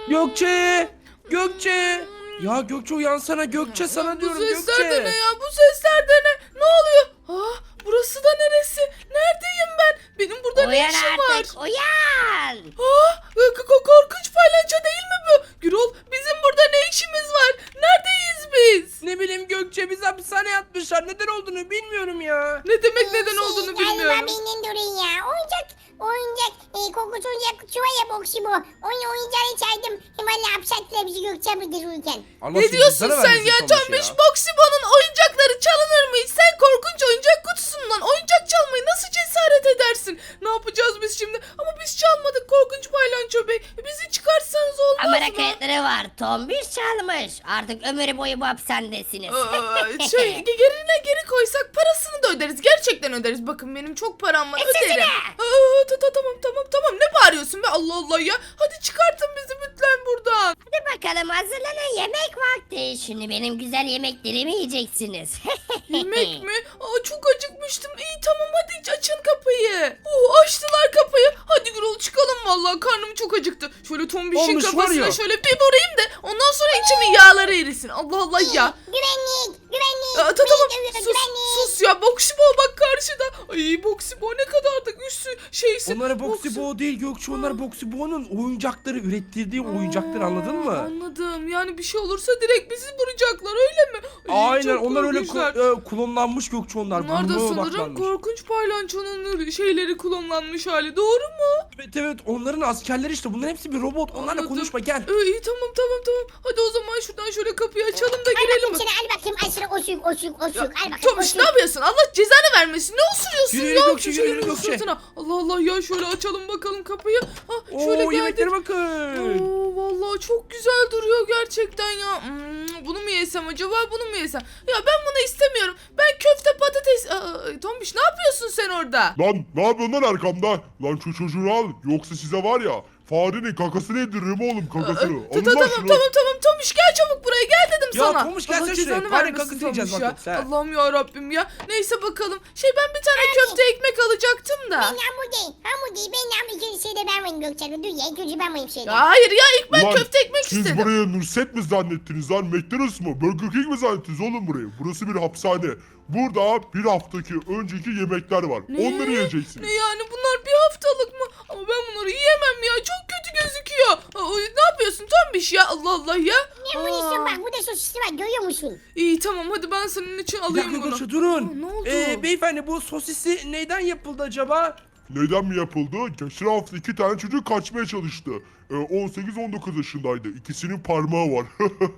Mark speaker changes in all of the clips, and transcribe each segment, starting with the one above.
Speaker 1: Gökçe! Gökçe! Ya Gökçe uyansana Gökçe sana diyorum
Speaker 2: Bu sesler de
Speaker 1: Gökçe.
Speaker 2: ne ya? Bu sesler de ne? Ne oluyor? Burası da neresi? Neredeyim ben? Benim burada ne
Speaker 3: Uyan
Speaker 2: işim var?
Speaker 3: artık uyan.
Speaker 2: Korkunç palyaço değil mi bu? Gürol, bizim burada ne işimiz var? Neredeyiz biz?
Speaker 1: Ne bileyim Gökçe bizi hapishaneye atmışlar. Neden olduğunu bilmiyorum ya.
Speaker 2: Ne demek neden olduğunu bilmiyorum.
Speaker 3: Galiba benim durun ya. Oyuncak. Kokusu oyuncak çuva ya boksi bu. Onu oyuncağını çaydım. Hemen hapsettiler bizi Gökçen'de dururken.
Speaker 1: Allah
Speaker 2: Ne
Speaker 1: sizi
Speaker 2: diyorsun
Speaker 1: cezanı
Speaker 2: sen
Speaker 1: vermesin
Speaker 2: ya?
Speaker 1: Tomuş
Speaker 2: Tombiş Boksibo'nun oyuncakları çalınır mı hiç? Sen korkunç oyuncak kutusundan oyuncak çalmayı nasıl cesaret edersin? Ne yapacağız biz şimdi? Ama biz çalmadık korkunç paylanço bey. Bizi çıkartsanız olmaz
Speaker 3: Kamera
Speaker 2: mı?
Speaker 3: kayıtları var. Tombiş çalmış. Artık ömür boyu bu hapishanedesiniz.
Speaker 2: Yerine geri koysak parasını da öderiz. Gerçekten öderiz. Bakın benim çok param var.
Speaker 3: Sesine!
Speaker 2: Öderim. Tamam. Ne bağırıyorsun be? Allah Allah ya. Hadi çıkartın bizi lütfen buradan.
Speaker 3: Hadi bakalım hazırlanın yemek vakti. Şimdi benim güzel yemeklerimi yiyeceksiniz.
Speaker 2: Yemek mi? Çok acıkmıştım. İyi tamam hadi açın kapıyı. Açtılar kapıyı. Hadi Gürol çıkalım vallahi karnım çok acıktı. Şöyle tombişin
Speaker 1: Olmuş var
Speaker 2: kafasına
Speaker 1: ya.
Speaker 2: şöyle bir vurayım da ondan sonra içimin yağları erisin. Allah Allah ya.
Speaker 3: Güvenlik.
Speaker 2: Tamam sus ya Boksibo bak karşıda. Ay Boksibo ne kadar da güçlü şeysin.
Speaker 1: Onlara Boksibo değil Gökçe. Onlar Boksibo'nun oyuncakları ürettirdiği oyuncaklar anladın mı?
Speaker 2: Anladım. Yani bir şey olursa direkt bizi vuracaklar öyle mi? Ay,
Speaker 1: Aynen
Speaker 2: çok
Speaker 1: onlar öyle
Speaker 2: korkunçlar.
Speaker 1: klonlanmış Gökçe onlar.
Speaker 2: Bunlar da
Speaker 1: Bunlara
Speaker 2: sanırım
Speaker 1: odaklanmış.
Speaker 2: korkunç paylançonun şeyleri kullanılmış hali. Doğru mu?
Speaker 1: Evet onların askerleri işte. Bunların hepsi bir robot. Onlarla
Speaker 2: Anladım.
Speaker 1: konuşma gel.
Speaker 2: İyi tamam. Hadi o zaman şuradan şöyle kapıyı açalım da
Speaker 3: Al
Speaker 2: girelim.
Speaker 3: bakayım seni al bakayım. Al sana osuk. Al bakayım
Speaker 2: Tomiş ne yapıyorsun? Allah cezanı vermesin. Ne osuruyorsun
Speaker 1: Yürü,
Speaker 2: ya?
Speaker 1: yürü Gökçe,
Speaker 2: Şu
Speaker 1: yürü,
Speaker 2: elinin
Speaker 1: Gökçe.
Speaker 2: sırtına. Allah Allah ya şöyle açalım bakalım kapıyı. Şöyle
Speaker 1: Oo
Speaker 2: geldik.
Speaker 1: yemeklere bakın.
Speaker 2: Vallahi çok güzel duruyor gerçekten ya. Bunu mu yesem acaba bunu mu yesem? Ya ben bunu istemiyorum. Ben köfte patates. Tomiş ne yapıyorsun sen orada?
Speaker 4: Lan ne yapıyorsun lan arkamda? Lan şu çocuğu al yoksa size var ya farenin kakasını yediririm oğlum kakasını. Alın lan şunu.
Speaker 2: Tamam Tomiş gel çabuk buraya gel dedim
Speaker 1: Ya
Speaker 2: sana.
Speaker 1: Tomiş, gelsene
Speaker 2: Allah
Speaker 1: şuraya.
Speaker 2: cezanı
Speaker 1: Fare
Speaker 2: vermesin
Speaker 1: kakası yiyeceğiz
Speaker 2: Tomiş
Speaker 1: bak
Speaker 2: ya.
Speaker 1: yoksa, ha.
Speaker 2: Allah'ım ya Rabbim ya. Neyse bakalım. Ben bir tane köfte ekmek alacaktım da.
Speaker 3: Hamur değil. Ben hamur ikinci şeyde ben varım Gökçen'de. Dur ya ilk önce ben varım şeyde.
Speaker 2: Ya hayır ya ilk ben
Speaker 4: Ulan,
Speaker 2: köfte ekmek
Speaker 4: siz
Speaker 2: istedim.
Speaker 4: burayı Nurset mi zannettiniz lan? McDonald's mı? Burger King mi zannettiniz oğlum burayı? Burası bir hapishane. Burada bir haftaki önceki yemekler var. Onları yiyeceksiniz.
Speaker 2: Ne yani bunlar bir haftalık mı? Ama ben bunları yiyemem ya. Çok kötü gözüküyor. Ne yapıyorsun Tombiş ya? Allah Allah ya.
Speaker 3: Ne bunu istiyorsun bak burada sosisli var görüyor musun?
Speaker 2: İyi tamam hadi ben senin için
Speaker 1: Bir
Speaker 2: alayım
Speaker 1: dakika
Speaker 2: bunu.
Speaker 1: Gökçe durun.
Speaker 2: Ne oldu?
Speaker 1: Beyefendi bu sosisi neyden yapıldı acaba?
Speaker 4: Neden mi yapıldı? Geçen hafta 2 tane çocuk kaçmaya çalıştı. 18-19 yaşındaydı. İkisinin parmağı var.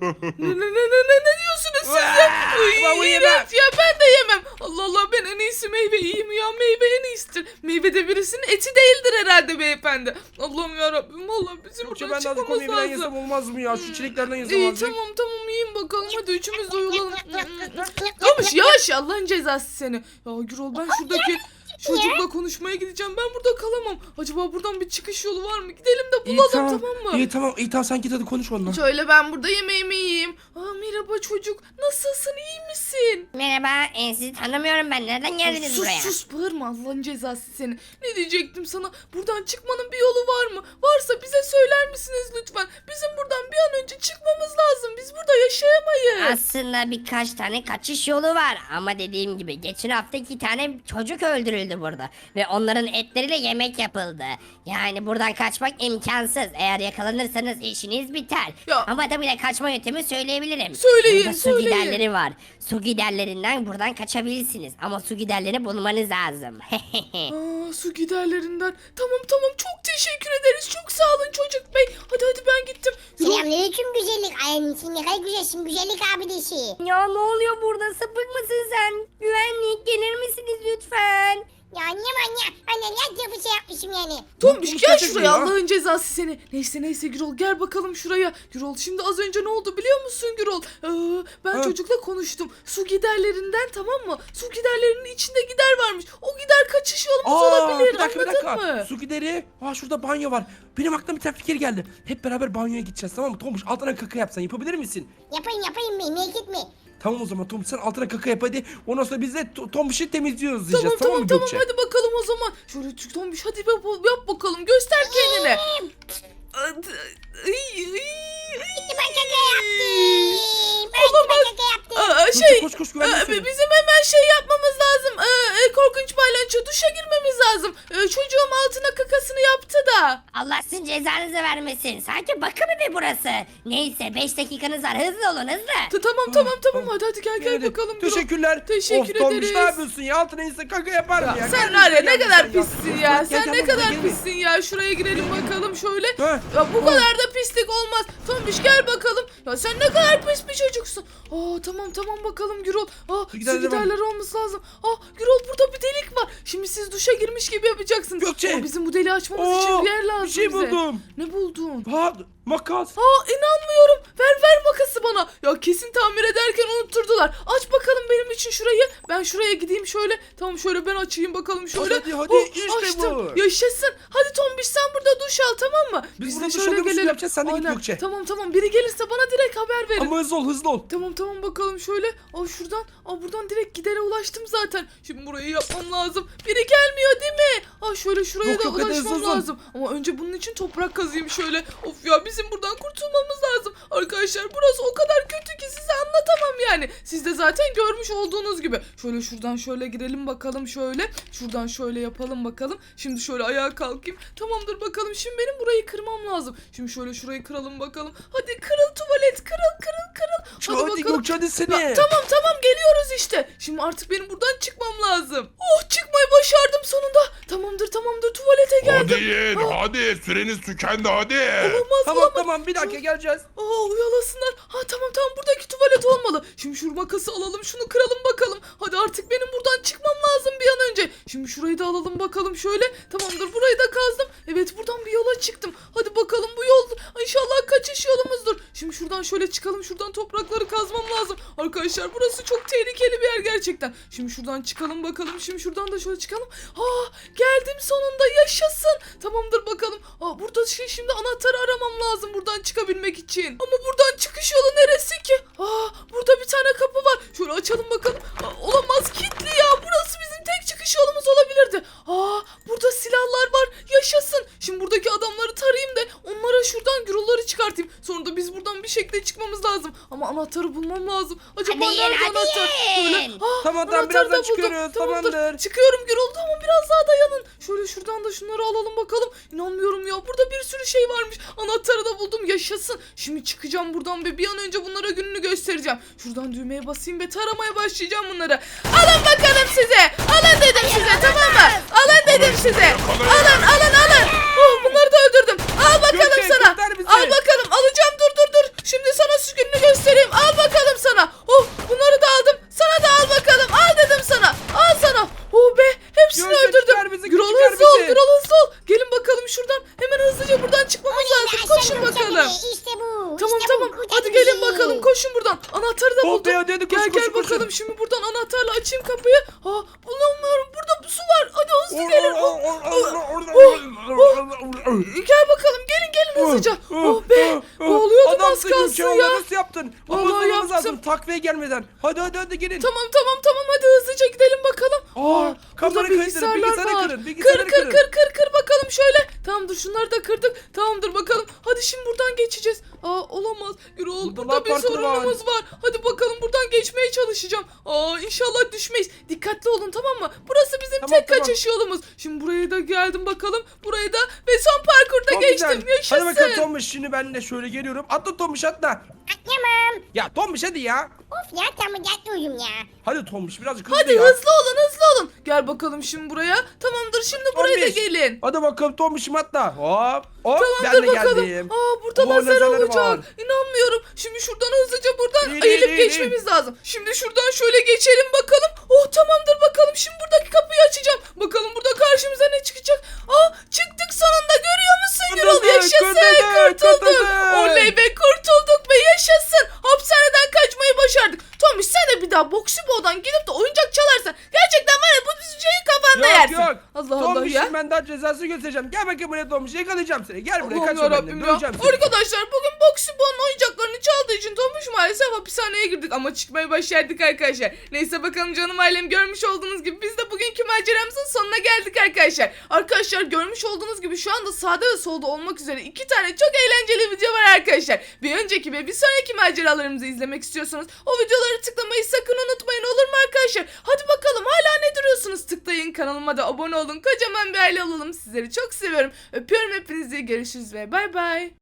Speaker 2: Ne diyorsunuz siz ya?
Speaker 1: Ben bunu yemem.
Speaker 2: İğrenç ya ben de yemem. Allah Allah ben en iyisi meyve yiyeyim ya. Meyve en iyisidir. Meyve de birisinin eti değildir herhalde beyefendi. Allah'ım yarabbim vallahi bizim
Speaker 1: Gökçe
Speaker 2: buradan
Speaker 1: ben de azıcık
Speaker 2: çıkmamız
Speaker 1: onu yemeden
Speaker 2: lazım.
Speaker 1: yesem olmaz mı ya? Şu çileklerden yesem
Speaker 2: İyi
Speaker 1: azıcık.
Speaker 2: tamam yiyin bakalım hadi üçümüz de uyulalım. Yavaş yavaş Allah'ın cezası seni. Ya Gürol ben şuradaki çocukla konuşmaya gideceğim. Ben burada kalamam. Acaba buradan bir çıkış yolu var mı? Gidelim de
Speaker 1: İyi
Speaker 2: bulalım
Speaker 1: tamam.
Speaker 2: tamam mı?
Speaker 1: İyi tamam sen git hadi konuş onunla.
Speaker 2: Şöyle ben burada yemeğimi yiyeyim. Merhaba çocuk. Nasılsın? İyi misin?
Speaker 3: Merhaba sizi tanımıyorum ben. Nereden geldiniz buraya?
Speaker 2: Sus bağırma Allah'ın cezası seni. Ne diyecektim sana? Buradan çıkmanın bir yolu var mı? Varsa bize söyler misiniz lütfen? Bizim buradan bir an önce çıkmamız lazım. Biz burada yaşayamayız.
Speaker 3: Aslında birkaç tane kaçış yolu var ama dediğim gibi geçen hafta 2 tane çocuk öldürüldü burada ve onların etleriyle yemek yapıldı. Yani buradan kaçmak imkansız. Eğer yakalanırsanız işiniz biter.
Speaker 2: Ya.
Speaker 3: Ama tabii de kaçma yöntemi söyleyebilirim.
Speaker 2: Söyleyin,
Speaker 3: Burada su
Speaker 2: söyleyin.
Speaker 3: giderleri var. Su giderlerinden buradan kaçabilirsiniz ama su giderlerini bulmanız lazım.
Speaker 2: Su giderlerinden. Tamam çok teşekkür ederiz. Çok sağ olun çocuk bey. Hadi ben gittim.
Speaker 3: Selamünaleyküm güzellik. Ay sen ne kadar güzelsin güzellik abidesi. Ya ne oluyor burada sapık mısın sen? Güvenlik gelir misiniz lütfen? Ya ne manyak. Anne ne bir şey yapmışım yani.
Speaker 2: Tombiş gel
Speaker 1: gerçek mi
Speaker 2: şuraya
Speaker 1: ya?
Speaker 2: Allah'ın cezası seni. Neyse Gürol gel bakalım şuraya. Gürol şimdi az önce ne oldu biliyor musun Gürol? Ben
Speaker 1: Ha.
Speaker 2: çocukla konuştum. Su giderlerinden tamam mı? Su giderlerinin içinde gider varmış. O gider kaçış yolumuz olabilir
Speaker 1: Bir dakika.
Speaker 2: anladın mı?
Speaker 1: Su gideri. Şurada banyo var. Benim aklıma bir tane fikir geldi. Hep beraber banyoya gideceğiz tamam mı? Tomuş altına kaka yapsan yapabilir misin?
Speaker 3: Yapayım merak etme.
Speaker 1: Tamam o zaman Tomuş sen altına kaka yap hadi. Ondan sonra biz de Tomuş'u temizliyoruz diyeceğiz.
Speaker 2: Tamam
Speaker 1: mı Gökçe?
Speaker 2: hadi bakalım o zaman. Şöyle Tombiş hadi yap bakalım göster kendini. İyi
Speaker 1: ben de seni.
Speaker 2: Bizim hemen şey yapmamız lazım. Korkunç baylanço duşa girmemiz lazım. Çocuğum altına kakasını yaptı da.
Speaker 3: Allah sizin cezanızı vermesin. Sanki bakım evi burası. Neyse 5 dakikanız var. Hızlı olun hızlı.
Speaker 2: Tamam. Hadi gel
Speaker 1: Hadi,
Speaker 2: bakalım. Gürol.
Speaker 1: Teşekkürler.
Speaker 2: Teşekkür
Speaker 1: of, Tombiş
Speaker 2: ederiz.
Speaker 1: ne yapıyorsun ya? Altına insan kaka yapar mı ya?
Speaker 2: Sen
Speaker 1: Gel
Speaker 2: var ya
Speaker 1: buraya,
Speaker 2: ne
Speaker 1: gel
Speaker 2: kadar
Speaker 1: buraya.
Speaker 2: pissin ya.
Speaker 1: Gel,
Speaker 2: Sen
Speaker 1: gel
Speaker 2: ne
Speaker 1: buraya,
Speaker 2: kadar
Speaker 1: gel.
Speaker 2: pissin ya. Şuraya girelim bakalım şöyle.
Speaker 1: Heh.
Speaker 2: Ya bu kadar da pislik olmaz. Tombiş gel bakalım. Ya sen ne kadar pis bir çocuksun. Tamam bakalım Gürol. Su
Speaker 1: Gidelim.
Speaker 2: giderler olması lazım. Gürol burada bir delik var. Şimdi siz duşa girmiş gibi yapacaksınız.
Speaker 1: Gökçe.
Speaker 2: Bizim bu deliği açmamız için bir yer lazım
Speaker 1: bir şey
Speaker 2: bize.
Speaker 1: buldum.
Speaker 2: Ne buldun?
Speaker 1: Makas.
Speaker 2: İnanmıyorum. Ver makası bana. Ya kesin tamir ederken unutturdular. Aç bakalım benim için şurayı. Ben şuraya gideyim şöyle. Tamam şöyle ben açayım bakalım şöyle.
Speaker 1: Hadi, işte
Speaker 2: açtım.
Speaker 1: bu.
Speaker 2: Yaşasın. Hadi Tombiş sen burada duş al tamam mı?
Speaker 1: Biz
Speaker 2: de
Speaker 1: burada duş alıyormuş, yapacağız, sen de git
Speaker 2: Aynen.
Speaker 1: Gökçe.
Speaker 2: Tamam. Biri gelirse bana direkt haber verin.
Speaker 1: Ama hızlı ol.
Speaker 2: Tamam bakalım şöyle. Şuradan. Buradan direkt gidere ulaştım zaten. Şimdi burayı yapmam lazım. Biri gelmiyor değil mi? Şöyle şuraya
Speaker 1: Yok,
Speaker 2: da
Speaker 1: hadi
Speaker 2: ulaşmam
Speaker 1: hızlı.
Speaker 2: lazım. Ama önce bunun için toprak kazıyım şöyle. Of ya bizim buradan kurtulmamız lazım. Arkadaşlar burası o kadar kötü ki size anlatamam yani. Siz de zaten görmüş olduğunuz gibi. Şöyle şuradan şöyle girelim bakalım şöyle. Şuradan şöyle yapalım bakalım. Şimdi şöyle ayağa kalkayım. Tamamdır bakalım. Şimdi benim burayı kırmam lazım. Şimdi şöyle şurayı kıralım bakalım. Hadi kırıl tuvalet kırıl.
Speaker 1: Hadi Gökçe hadi seni.
Speaker 2: Tamam geliyoruz işte. Şimdi artık benim buradan çıkmam lazım. Çıkmayı başardım sonunda. Tamamdır tuvalete geldim.
Speaker 4: Hadi yiyin hadi süreniz tükendi hadi.
Speaker 2: Olamaz.
Speaker 1: Tamam bir dakika geleceğiz.
Speaker 2: Uyalasınlar. Tamam buradaki tuvalet olmalı. Şimdi şu makası alalım şunu kıralım bakalım. Hadi artık benim buradan çıkmam lazım bir an önce. Şimdi şurayı da alalım bakalım şöyle. Tamamdır burayı da kazdım. Evet buradan bir yola çıktım. Hadi bakalım bu yol inşallah kaçış yolumuzdur. Şimdi şuradan şöyle çıkalım. Şuradan toprakları kazmam lazım. Arkadaşlar burası çok tehlikeli bir yer gerçekten. Şimdi şuradan çıkalım bakalım. Şimdi şuradan da şöyle çıkalım. Geldim sonunda yaşasın. Tamamdır bakalım. Burada şimdi anahtarı aramam lazım buradan çıkabilmek için. Ama buradan çıkış yolu neresi ki? Burada bir tane kapı var. Şöyle açalım bakalım. Olamaz kilitli ya. Burası bizim tek çıkış yolumuz olabilirdi. Burada silahlar var. Yaşasın. Şimdi buradaki adamları tarayayım da onlara şuradan gürulları çıkartayım. Sonra da biz buradan bir şekilde çıkmamız lazım. Ama anahtarı bulmam lazım. Acaba
Speaker 3: Hadi
Speaker 2: nerede
Speaker 3: yiyin,
Speaker 2: anahtar?
Speaker 3: hadi
Speaker 2: Böyle.
Speaker 3: yiyin.
Speaker 1: Tamam,
Speaker 2: anahtarı
Speaker 1: birazdan
Speaker 2: da buldum.
Speaker 1: çıkıyoruz, tamamdır.
Speaker 2: Çıkıyorum Gürol. Tamam biraz daha dayanın. Şöyle şuradan da şunları alalım bakalım. İnanmıyorum ya. Burada bir sürü şey varmış. Anahtarı da buldum. Yaşasın. Şimdi çıkacağım buradan ve bir an önce bunlara gününü göstereceğim. Şuradan düğmeye basayım ve taramaya başlayacağım bunları. Alın bakalım size. Alın dedim size tamam mı? Alın dedim size. Alın. Bunları da öldürdüm. Al bakalım
Speaker 1: Gökçe,
Speaker 2: sana.
Speaker 1: kurtar bizi.
Speaker 2: Al bakalım. Alacağım dur. Şimdi sana şu gününü göstereyim. Al bakalım sana. Bunları da aldım. Sana da al bakalım. Al dedim sana. Al sana. Hepsini
Speaker 1: Gökçe,
Speaker 2: öldürdüm.
Speaker 1: çıkar bizi,
Speaker 2: Gürol
Speaker 1: çıkar
Speaker 2: hızlı ol.
Speaker 1: bizi.
Speaker 2: Gelin bakalım şuradan. Hemen hızlıca buradan çıkmamız lazım. Koşun bakalım.
Speaker 5: İşte bu.
Speaker 2: Tamam. Hadi gelin bakalım. Koşun buradan. Anahtarı da buldum.
Speaker 1: Hadi, koş,
Speaker 2: Gel
Speaker 1: koş.
Speaker 2: bakalım. Şimdi buradan anahtarla açayım kapıyı. Bulamıyorum. Burada su var. Hadi hızlı gelin. Gel bakalım. Gelin hızlıca. Boğuluyordum az kalsın ya.
Speaker 1: Nasıl yaptın?
Speaker 2: Vallahi
Speaker 1: Vallahi
Speaker 2: yaptım.
Speaker 1: lazım takviye gelmeden. Hadi gelin.
Speaker 2: Tamam. Hadi hızlıca gidelim bakalım. Burada
Speaker 1: kapıları kırın, bilgisayarı kırın, bilgisayarı kırın.
Speaker 2: Kır bakalım şöyle. Tamamdır şunları da kırdık. Tamamdır bakalım. Hadi şimdi buradan geçeceğiz. Olamaz. Gürol
Speaker 1: Burada
Speaker 2: burada bir
Speaker 1: parkur
Speaker 2: sorunumuz var. Hadi bakalım buradan geçmeye çalışacağım. İnşallah düşmeyiz. Dikkatli olun tamam mı? Burası bizim
Speaker 1: Tamam.
Speaker 2: kaçış yolumuz. Şimdi buraya da geldim bakalım. Burayı da ve son parkurda
Speaker 1: Çok
Speaker 2: geçtim.
Speaker 1: güzel.
Speaker 2: Yaşasın.
Speaker 1: Hadi bakalım Tombiş, şimdi ben de şöyle geliyorum. Atla Tombiş atla.
Speaker 5: Atlamam.
Speaker 1: Ya Tombiş hadi ya.
Speaker 5: Of ya tamam yatmıyorum ya.
Speaker 1: Hadi Tombiş birazcık hızlı
Speaker 2: Hadi
Speaker 1: ya.
Speaker 2: hızlı olun. Gel bakalım şimdi buraya. Tamamdır şimdi buraya da
Speaker 1: Tombiş.
Speaker 2: gelin.
Speaker 1: Hadi bakalım Tombiş'im atla. Hop ben
Speaker 2: Tamamdır
Speaker 1: de
Speaker 2: bakalım.
Speaker 1: geldim.
Speaker 2: Burada
Speaker 1: Oo,
Speaker 2: lazer
Speaker 1: lazerleri
Speaker 2: olacak.
Speaker 1: var.
Speaker 2: İnanmıyorum. Şimdi şuradan hızlıca buradan
Speaker 1: İyi,
Speaker 2: eğilip
Speaker 1: iyi.
Speaker 2: geçmemiz lazım. Şimdi şuradan şöyle geçelim bakalım. Tamamdır bakalım. Şimdi buradaki kapıyı açacağım. Bakalım burada karşımıza ne çıkacak. Çıktık sonunda görüyor musun Gürol?
Speaker 1: Kurtulduk,
Speaker 2: Yaşasın kurtulduk. Oley be kurtulduk be yaşasın. Hapishaneden kaçmayı başardık. Tommy sen de bir daha Boksibo'dan gidip de oyuncak çalarsan gerçekten var ya bu şeyi kafanda yersin.
Speaker 1: Yok.
Speaker 2: Allah Allah
Speaker 1: Tombiş
Speaker 2: ya.
Speaker 1: Şimdi ben daha cezası göstereceğim. Gel bakayım buraya Tombiş, yakalayacağım seni. Gel buraya,
Speaker 2: Allah'ım
Speaker 1: kaçma benden.
Speaker 2: yarabbim ya.
Speaker 1: Döveceğim seni.
Speaker 2: Arkadaşlar bugün Boksibo'nun oyuncaklarını çaldığı için Tomuş maalesef hapishaneye girdik ama çıkmayı başardık arkadaşlar. Neyse bakalım canım ailem, görmüş olduğunuz gibi biz de bugünkü maceramızın sonuna geldik arkadaşlar. Arkadaşlar görmüş olduğunuz gibi şu anda sağda ve solda olmak üzere 2 tane çok eğlenceli video var arkadaşlar. Bir önceki ve bir sonraki maceralarımızı izlemek istiyorsanız o videoları tıklamayı sakın unutmayın, olur mu arkadaşlar? Hadi bakalım, hala ne duruyorsunuz? Tıklayın, kanalıma da abone olun. Kocaman bir aile olalım. Sizleri çok seviyorum. Öpüyorum hepinizi. Görüşürüz ve bay bay.